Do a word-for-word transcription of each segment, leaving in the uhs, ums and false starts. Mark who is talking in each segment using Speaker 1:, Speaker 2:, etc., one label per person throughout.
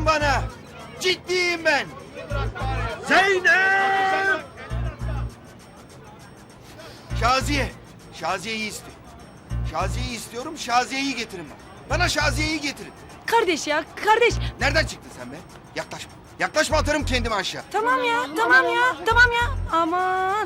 Speaker 1: bana. Ciddiyim ben. Zeynep! Şaziye. Şaziye'yi istiyorum. Şaziye'yi istiyorum. Şaziye'yi getirin bana. Bana Şaziye'yi getirin.
Speaker 2: Kardeş ya, kardeş.
Speaker 1: Nereden çıktın sen be? Yaklaşma. Yaklaşma, atarım kendimi aşağı.
Speaker 2: Tamam ya, tamam ya, tamam ya. Aman.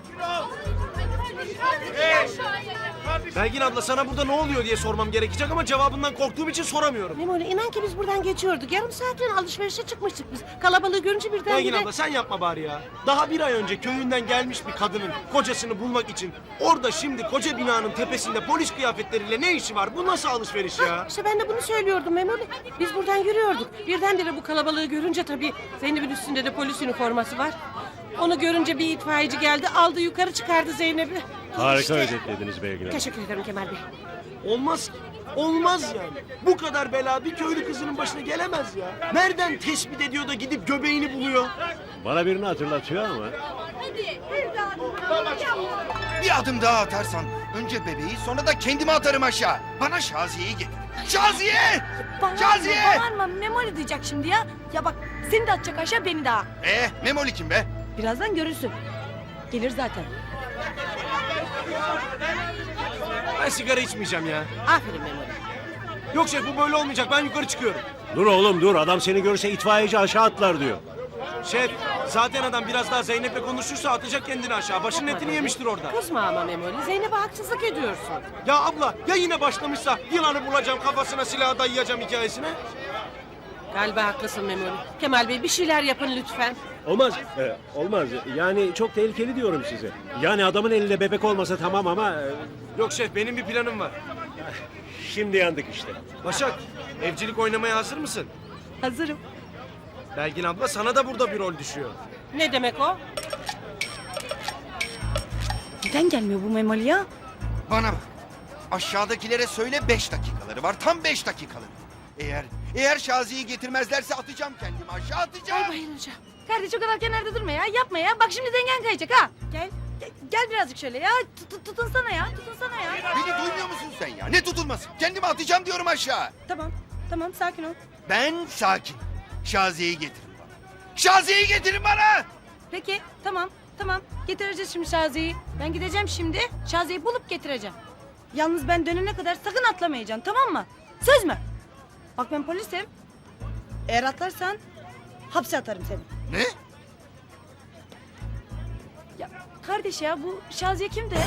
Speaker 3: Belgin abla sana burada ne oluyor diye sormam gerekecek ama cevabından korktuğum için soramıyorum.
Speaker 2: Memoli inan ki biz buradan geçiyorduk. Yarım saatliğine alışverişe çıkmıştık biz. Kalabalığı görünce birden
Speaker 3: Belgin
Speaker 2: bire...
Speaker 3: abla sen yapma bari ya. Daha bir ay önce köyünden gelmiş bir kadının kocasını bulmak için orada şimdi koca binanın tepesinde polis kıyafetleriyle ne işi var? Bu nasıl alışveriş ya?
Speaker 2: İşte ben de bunu söylüyordum Memoli. Biz buradan yürüyorduk. Birdenbire bu kalabalığı görünce tabii Zeynep'in üstünde de polis üniforması var. Onu görünce bir itfaiyeci geldi, aldı yukarı çıkardı Zeynep'i.
Speaker 4: Harika
Speaker 2: İşte.
Speaker 4: özetlediniz Belgin Hanım.
Speaker 2: Teşekkür ederim Kemal Bey.
Speaker 3: Olmaz ki. Olmaz yani. Bu kadar bela bir köylü kızının başına gelemez ya. Nereden tespit ediyor da gidip göbeğini buluyor?
Speaker 4: Bana birini hatırlatıyor ama.
Speaker 1: Bir adım daha atarsan önce bebeği sonra da kendimi atarım aşağı. Bana Şaziye'yi getir. Şaziye! Şaziye!
Speaker 2: Bağırma, Memoli diyecek şimdi ya. Ya bak seni de atacak aşağı beni daha.
Speaker 1: Ee, Memoli kim be?
Speaker 2: Birazdan görürsün. Gelir zaten.
Speaker 3: Ben sigara içmeyeceğim ya.
Speaker 2: Aferin Memoli.
Speaker 3: Yok şef bu böyle olmayacak. Ben yukarı çıkıyorum.
Speaker 4: Dur oğlum dur, adam seni görse itfaiyeci aşağı atlar diyor.
Speaker 3: Şef zaten adam biraz daha Zeynep'le konuşursa atacak kendini aşağı. Başının etini yemiştir orada.
Speaker 2: Kızma ama Memoli. Zeynep'e haksızlık ediyorsun.
Speaker 3: Ya abla ya yine başlamışsa yılanı bulacağım kafasına silahı dayayacağım hikayesine.
Speaker 2: Galiba haklısın Memoli. Kemal Bey bir şeyler yapın lütfen.
Speaker 4: Olmaz, e, olmaz. Yani çok tehlikeli diyorum size. Yani adamın elinde bebek olmasa tamam ama... e,
Speaker 3: Yok şef benim bir planım var.
Speaker 4: şimdi yandık işte.
Speaker 3: Başak evcilik oynamaya hazır mısın?
Speaker 2: Hazırım.
Speaker 3: Belgin abla sana da burada bir rol düşüyor.
Speaker 2: Ne demek o? Neden gelmiyor bu Memoli ya?
Speaker 1: Bana bak. Aşağıdakilere söyle beş dakikaları var. Tam beş dakikaları. Eğer eğer Şaziye'yi getirmezlerse atacağım kendimi aşağı atacağım.
Speaker 2: Ay bayılacağım. Kardeş o kadar kenarda durma ya. Yapma ya. Bak şimdi dengen kayacak ha. Gel. Gel, gel birazcık şöyle ya. Tut, tutunsana ya. Tutunsana ya.
Speaker 1: Beni duymuyor musun sen ya? Ne tutulması? Kendimi atacağım diyorum aşağı.
Speaker 2: Tamam. Tamam sakin ol.
Speaker 1: Ben sakin. Şaziye'yi getirin bana. Şaziye'yi getirin bana.
Speaker 2: Peki tamam. Tamam. Getireceğiz şimdi Şaziye'yi. Ben gideceğim şimdi. Şaziye'yi bulup getireceğim. Yalnız ben dönene kadar sakın atlamayacaksın tamam mı? Söz mü? Bak ben polisim. Eğer atlarsan hapse atarım seni.
Speaker 1: Ne?
Speaker 2: Ya kardeş ya bu Şaziye kimdi?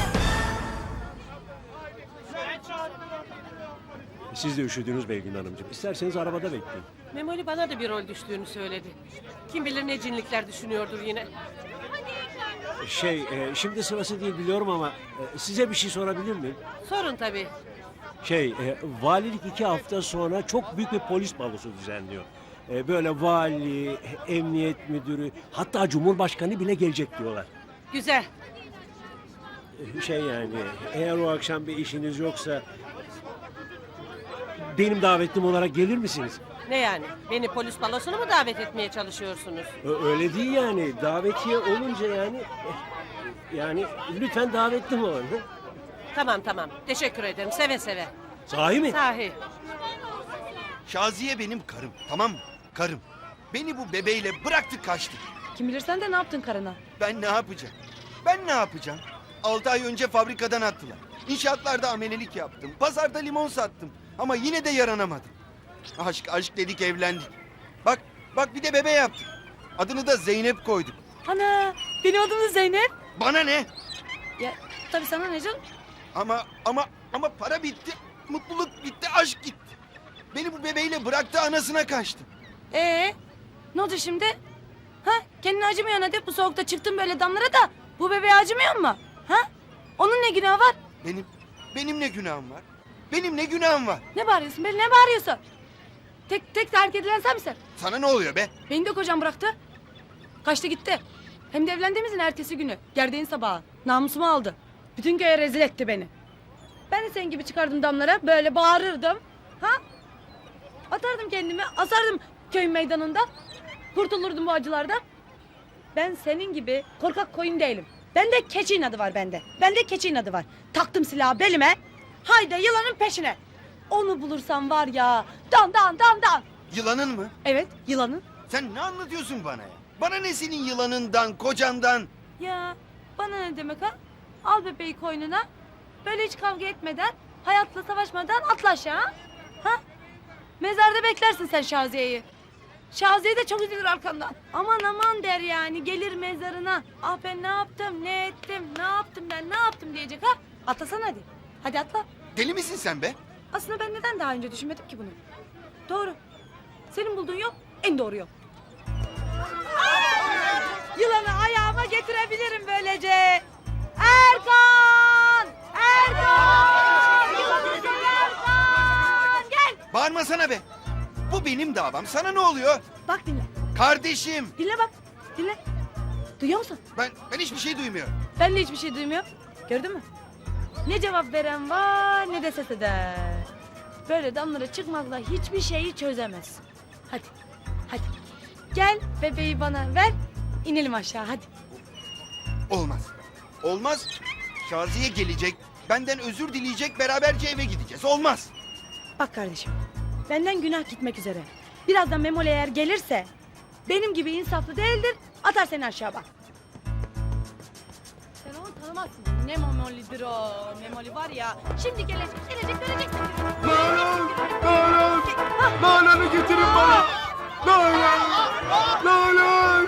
Speaker 4: Siz de üşüdünüz Belgin Hanımcığım. İsterseniz arabada bekleyin.
Speaker 2: Memoli bana da bir rol düştüğünü söyledi. Kim bilir ne cinlikler düşünüyordur yine.
Speaker 4: Şey, e, şimdi sırası değil biliyorum ama e, size bir şey sorabilir miyim?
Speaker 2: Sorun tabii.
Speaker 4: Şey, e, valilik iki hafta sonra çok büyük bir polis balosu düzenliyor. E, böyle vali, emniyet müdürü, hatta cumhurbaşkanı bile gelecek diyorlar.
Speaker 2: Güzel.
Speaker 4: E, şey yani, eğer o akşam bir işiniz yoksa... benim davetlim olarak gelir misiniz?
Speaker 2: Ne yani? Beni polis balosuna mı davet etmeye çalışıyorsunuz?
Speaker 4: Ö- öyle değil yani, davetiye olunca yani... e, yani lütfen davetlim olun. hı?
Speaker 2: Tamam tamam. Teşekkür ederim. Seve seve.
Speaker 4: Sahi mi?
Speaker 2: Sahi.
Speaker 1: Şaziye benim karım, tamam mı? Karım. Beni bu bebeğiyle bıraktı kaçtı.
Speaker 2: Kim bilir sen de ne yaptın karına?
Speaker 1: Ben ne yapacağım? Ben ne yapacağım? Altı ay önce fabrikadan attılar. İnşaatlarda amelelik yaptım. Pazarda limon sattım. Ama yine de yaranamadım. Aşk aşk dedik evlendik. Bak bak bir de bebe yaptık. Adını da Zeynep koyduk.
Speaker 2: Ana benim adım da Zeynep.
Speaker 1: Bana ne?
Speaker 2: Ya tabii sana ne canım?
Speaker 1: Ama ama ama para bitti. Mutluluk bitti, aşk gitti. Beni bu bebeğiyle bıraktı, anasına kaçtı.
Speaker 2: Ee, ne oldu şimdi? Ha? Kendine acımıyorsun hadi. Bu soğukta çıktın böyle damlara da bu bebeğe acımıyor mu? Ha? Onun ne günahı var?
Speaker 1: Benim benim ne günahım var? Benim ne günahım var?
Speaker 2: Ne bağırıyorsun be? Ne bağırıyorsun? Tek tek terk edilen sen misin?
Speaker 1: Sana ne oluyor be?
Speaker 2: Beni de kocam bıraktı. Kaçtı gitti. Hem de evlendiğimizin ertesi günü. Gerdeğin sabahı. Namusumu aldı. Bütün köye rezil etti beni. Ben de senin gibi çıkardım damlara. Böyle bağırırdım. Ha? Atardım kendimi. Asardım köyün meydanında. Kurtulurdum bu acılardan. Ben senin gibi korkak koyun değilim. Bende keçi inadı var bende. Bende keçi inadı var. Taktım silahı belime. Haydi yılanın peşine. Onu bulursam var ya. Dan dan dan dan.
Speaker 1: Yılanın mı?
Speaker 2: Evet, yılanın.
Speaker 1: Sen ne anlatıyorsun bana ya? Bana ne senin yılanından, kocandan?
Speaker 2: Ya bana ne demek ha? Al bebeği koynuna. Böyle hiç kavga etmeden, hayatla savaşmadan atla aşağı. Ha? Ha? Mezarda beklersin sen Şaziye'yi. Şaziye de çok üzülür arkandan. Aman aman der yani, gelir mezarına. Ah ben ne yaptım, ne ettim, ne yaptım ben, ne yaptım diyecek ha? Atlasana hadi. Hadi atla.
Speaker 1: Deli misin sen be?
Speaker 2: Aslında ben neden daha önce düşünmedim ki bunu? Doğru. Senin bulduğun yok, en doğru yol. Yılanı ayağıma getirebilirim böylece. Erkan! Erkan! Yılanı sen Erkan! Gel!
Speaker 1: Bağırmasana be. Bu benim davam. Sana ne oluyor?
Speaker 2: Bak dinle.
Speaker 1: Kardeşim.
Speaker 2: Dinle bak. Dinle. Duyuyor musun?
Speaker 1: Ben ben hiçbir şey duymuyorum.
Speaker 2: Ben de hiçbir şey duymuyorum. Gördün mü? Ne cevap veren var ne de ses eder. Böyle damlara çıkmakla hiçbir şeyi çözemez. Hadi. Hadi. Gel bebeği bana ver. İnelim aşağı hadi.
Speaker 1: Olmaz. Olmaz. Şaziye gelecek. Benden özür dileyecek. Beraberce eve gideceğiz. Olmaz.
Speaker 2: Bak kardeşim. Benden günah gitmek üzere. Birazdan Memoli eğer gelirse benim gibi insaflı değildir. Atar seni aşağı bak. Sen onu tanımazsın. Ne Memoli'dir o. Memoli var ya. Şimdi gelecek, gelecek, göreceksin.
Speaker 3: Nalan! Nalan! Nalan'ı getirin bana! Nalan! Nalan!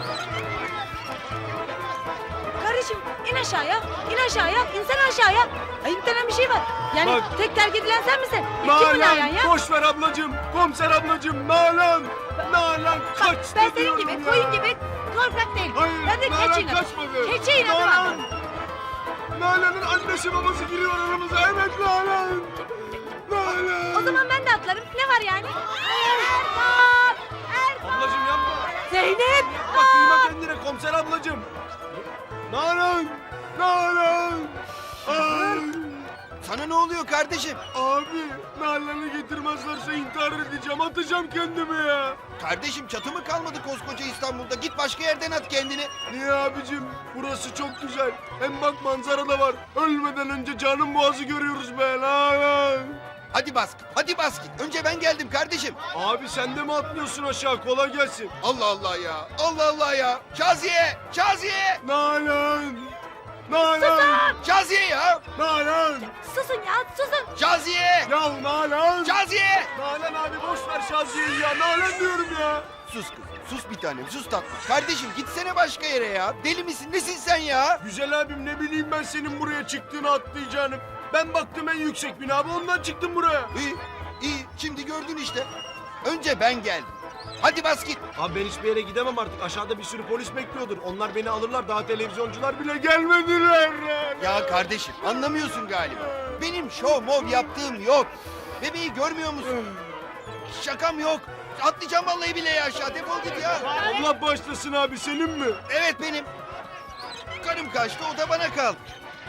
Speaker 2: Kardeşim in aşağıya, in aşağıya, insene aşağıya. Ayıp denen bir şey var. Yani
Speaker 3: Bak.
Speaker 2: tek terk edilen sen misin? Kim bu Nalan
Speaker 3: Nalan!
Speaker 2: ya?
Speaker 3: Boş ver ablacığım! Komiser ablacığım! Nalan! Nalan
Speaker 2: Bak
Speaker 3: kaçtı
Speaker 2: ben senin
Speaker 3: diyorum
Speaker 2: gibi,
Speaker 3: ya.
Speaker 2: koyun gibi korkak değilim.
Speaker 3: Hayır,
Speaker 2: Ben de
Speaker 3: Nalan
Speaker 2: keçi inadım.
Speaker 3: kaçmadı.
Speaker 2: Keçi inadım
Speaker 3: Nalan!
Speaker 2: abi.
Speaker 3: Nalan'ın annesi babası giriyor aramıza. Evet Nalan! Nalan!
Speaker 2: O zaman ben de atlarım. Ne var yani? Erkan! Erkan!
Speaker 3: Ablacığım yapma!
Speaker 2: Zeynep!
Speaker 3: Bak kıyma kendine komiser ablacığım! Nalan! Nalan! Ay!
Speaker 1: Sana ne oluyor kardeşim?
Speaker 3: Abi Nalan'ı getirmezlerse intihar edeceğim. Atacağım kendimi ya.
Speaker 1: Kardeşim çatı mı kalmadı koskoca İstanbul'da? Git başka yerden at kendini.
Speaker 3: Niye abicim? Burası çok güzel. Hem bak manzara da var. Ölmeden önce canım boğazı görüyoruz be Nalan.
Speaker 1: Hadi bas git. Hadi bas git. Önce ben geldim kardeşim.
Speaker 3: Abi sen de mi atlıyorsun aşağı? Kolay gelsin.
Speaker 1: Allah Allah ya. Allah Allah ya. Şaziye! Şaziye!
Speaker 3: Nalan! Nalan!
Speaker 1: Şaziye ya!
Speaker 3: Nalan!
Speaker 2: Susun ya, susun.
Speaker 1: Şaziye!
Speaker 3: Ya Nalan!
Speaker 1: Şaziye!
Speaker 3: Nalan abi boş ver Şaziye'yi ya. Nalan diyorum ya.
Speaker 1: Sus kızım. Sus bir tanem. Sus tatlım. Kardeşim gitsene başka yere ya. Deli misin? Nesin sen ya?
Speaker 3: Güzel abim ne bileyim ben senin buraya çıktığını atlayacağını. Ben baktım en yüksek bina abi ondan çıktım buraya.
Speaker 1: İyi. iyi. Şimdi gördün işte. Önce ben geldim. Hadi bas git.
Speaker 3: Abi ben hiçbir yere gidemem artık. Aşağıda bir sürü polis bekliyordur. Onlar beni alırlar. Daha televizyoncular bile gelmediler.
Speaker 1: Ya kardeşim anlamıyorsun galiba. Benim şov mov yaptığım yok. Bebeği görmüyor musun? Şakam yok. Atlayacağım vallahi bile ya aşağı. Defol git ya.
Speaker 3: Allah başlasın abi senin mi?
Speaker 1: Evet benim. Karım kaçtı o da bana kaldı.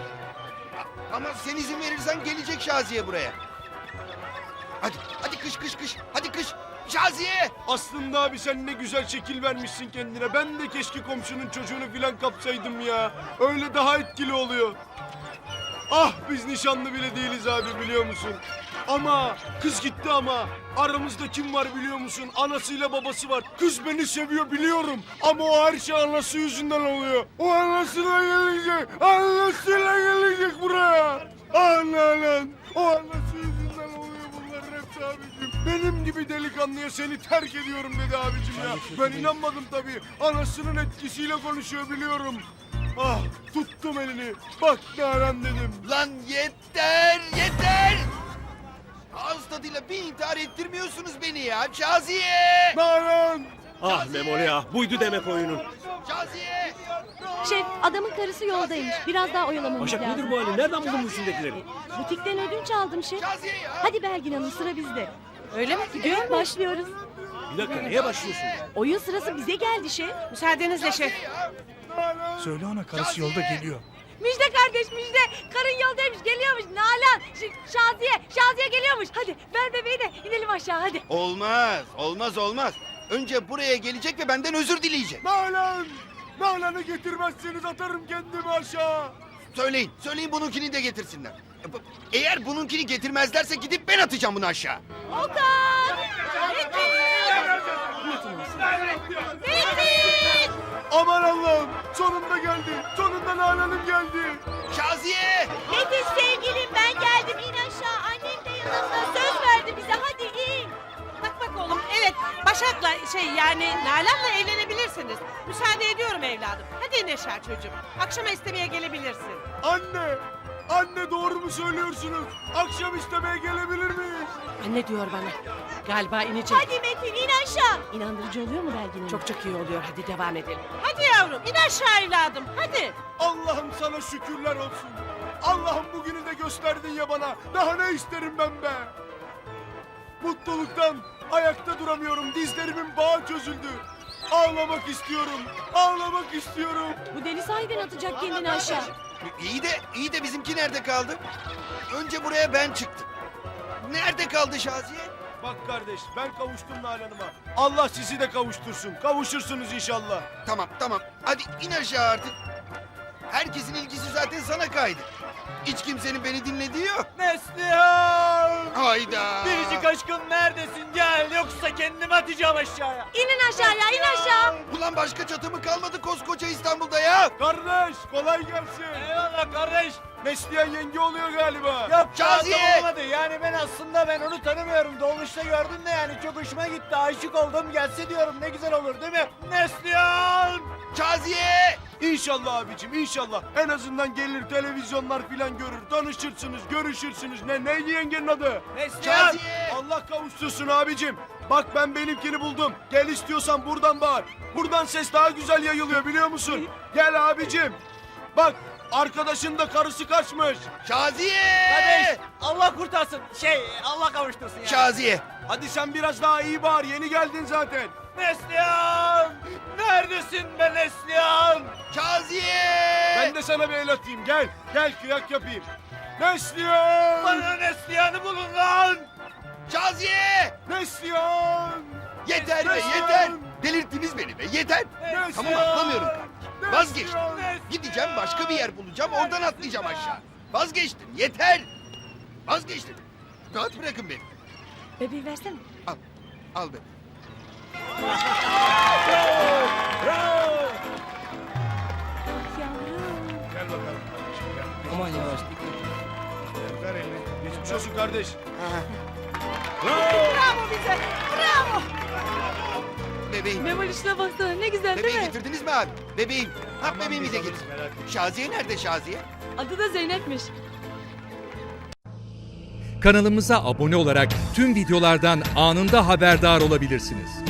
Speaker 1: A- Ama sen izin verirsen gelecek Şaziye buraya. Hadi, hadi kış kış kış. Hadi kış. Şaziye!
Speaker 3: Aslında abi sen ne güzel şekil vermişsin kendine. Ben de keşke komşunun çocuğunu filan kapsaydım ya. Öyle daha etkili oluyor. Ah biz nişanlı bile değiliz abi biliyor musun? Ama kız gitti ama aramızda kim var biliyor musun? Anasıyla babası var. Kız beni seviyor biliyorum. Ama o her şey anası yüzünden oluyor. O anasıyla gelecek. Anasıyla gelecek buraya. Ah Nalan. O anası yüzünden oluyor bunların hepsi abicim. Benim gibi delikanlıya seni terk ediyorum dedi abicim ya. Ben inanmadım tabii. Anasının etkisiyle konuşuyor biliyorum. Ah tuttum elini. Bak Nalan dedim.
Speaker 1: Lan yeter, yeter! Ağız tadıyla bir intihar ettirmiyorsunuz beni ya. Şaziye!
Speaker 3: Nalan!
Speaker 4: Ah Memoli ah, buydu demek oyunun.
Speaker 1: Şaziye!
Speaker 5: Şef, adamın karısı yoldaymış. Biraz daha oyalamamız
Speaker 4: Başak
Speaker 5: lazım.
Speaker 4: nedir bu halin? Nereden buldun bu üstündekileri?
Speaker 5: Butikten ödünç aldım şef.
Speaker 1: Şaziye ya!
Speaker 5: Hadi Belgin Hanım, sıra bizde.
Speaker 2: Öyle mi? Gidiyor
Speaker 5: Evet,
Speaker 2: mu?
Speaker 5: başlıyoruz.
Speaker 4: Bir dakika neye başlıyorsun?
Speaker 5: Oyun sırası bize geldi şef.
Speaker 2: Müsaadenizle şef.
Speaker 1: Şaziye ya!
Speaker 6: Söyle ona karısı yolda geliyor.
Speaker 2: Müjde kardeş müjde. Karın yoldaymış geliyormuş. Nalan, Ş- Şaziye, Şaziye geliyormuş. Hadi ver bebeği de inelim aşağı hadi.
Speaker 1: Olmaz, olmaz, olmaz. Önce buraya gelecek ve benden özür dileyecek.
Speaker 3: Nalan! Nalan'ı getirmezseniz atarım kendimi aşağı.
Speaker 1: Söyleyin, söyleyin bununkini de getirsinler. Eğer bununkini getirmezlerse gidip ben atacağım bunu aşağı.
Speaker 2: Okan! Metin!
Speaker 3: Aman Allah'ım sonunda geldi. Sonunda Nalan Hanım geldi.
Speaker 1: Şaziye!
Speaker 5: Metin sevgilim ben geldim in aşağı. Annem de yanımda söz verdi bize hadi in.
Speaker 7: Bak bak oğlum evet Başak'la şey yani Nalan'la evlenebilirsiniz. Müsaade ediyorum evladım. Hadi in aşağı çocuğum. Akşama istemeye gelebilirsin.
Speaker 3: Anne. Anne doğru mu söylüyorsunuz? Akşam istemeye gelebilir miyiz?
Speaker 7: Anne diyor bana. Galiba inecek.
Speaker 5: Hadi Metin in aşağı.
Speaker 2: İnandırıcı oluyor mu Belgin Hanım?
Speaker 7: Çok çok iyi oluyor. Hadi devam edelim. Hadi yavrum in aşağı evladım. Hadi.
Speaker 3: Allah'ım sana şükürler olsun. Allah'ım bugünü de gösterdin ya bana. Daha ne isterim ben be? Mutluluktan ayakta duramıyorum. Dizlerimin bağı çözüldü. Ağlamak istiyorum. Ağlamak istiyorum.
Speaker 2: Bu deli sahiden atacak kendini aşağı.
Speaker 1: İyi de, iyi de bizimki nerede kaldı? Önce buraya ben çıktım. Nerede kaldı Şaziye?
Speaker 3: Bak kardeş ben kavuştum Nalan'ıma. Allah sizi de kavuştursun. Kavuşursunuz inşallah.
Speaker 1: Tamam, tamam. Hadi in aşağı artık. Herkesin ilgisi zaten sana kaydı. Hiç kimsenin beni dinlediği yok.
Speaker 8: Neslihan!
Speaker 1: Hayda!
Speaker 8: Biricik aşkım neredesin? Gel yoksa kendimi atacağım aşağıya.
Speaker 5: İnin aşağıya in aşağı.
Speaker 1: Ulan başka çatı mı kalmadı koskoca İstanbul'da ya?
Speaker 3: Kardeş kolay gelsin.
Speaker 8: Eyvallah kardeş.
Speaker 3: Neslihan yenge oluyor galiba.
Speaker 8: Yok
Speaker 1: Şaziye!
Speaker 8: lazım olmadı. Yani ben aslında ben onu tanımıyorum. Dolmuşta gördüm de yani çok hoşuma gitti. Aşık oldum. Gelse diyorum ne güzel olur değil mi? Neslihan!
Speaker 1: Şaziye!
Speaker 3: İnşallah abicim inşallah. En azından gelir televizyonlar filan görür. Tanışırsınız, görüşürsünüz. Ne neydi yengenin adı?
Speaker 8: Neslihan!
Speaker 1: Şaziye!
Speaker 3: Allah kavuştursun abicim. Bak ben benimkini buldum. Gel istiyorsan buradan bağır. Buradan ses daha güzel yayılıyor biliyor musun? Gel abicim. Bak arkadaşın da karısı kaçmış.
Speaker 1: Şaziye!
Speaker 8: Kardeş Allah kurtarsın. Şey Allah kavuştursun yani.
Speaker 1: Şaziye!
Speaker 3: Hadi sen biraz daha iyi bağır. Yeni geldin zaten.
Speaker 8: Neslihan! Neredesin be Neslihan?
Speaker 1: Şaziye!
Speaker 3: Ben de sana bir el atayım. Gel. Gel kıyak yapayım. Neslihan!
Speaker 8: Bana Neslihan'ı bulun lan!
Speaker 1: Şaziye!
Speaker 3: Neslihan!
Speaker 1: Yeter be
Speaker 3: Neslihan!
Speaker 1: yeter! Delirttiniz beni be yeter! Tamam atlamıyorum. Vazgeçtim. Gideceğim başka bir yer bulacağım oradan atlayacağım aşağı. Vazgeçtim yeter! Vazgeçtim. Rahat bırakın beni.
Speaker 2: Bebeği versene.
Speaker 1: Al. Al beni.
Speaker 2: Yavrum.
Speaker 3: Gel bakalım. Gel.
Speaker 8: Aman yavaş.
Speaker 3: Ver elini. Geçmiş olsun kardeş.
Speaker 7: Bravo bize. Bravo.
Speaker 1: Bebeğim.
Speaker 2: Memoli şuna baksana ne güzel değil
Speaker 1: Bebeği
Speaker 2: mi?
Speaker 1: getirdiniz mi abi? Bebeğim. Ha bebeğimi de getir. Şaziye nerede Şaziye?
Speaker 2: Adı da Zeynep'miş.
Speaker 9: Kanalımıza abone olarak tüm videolardan anında haberdar olabilirsiniz.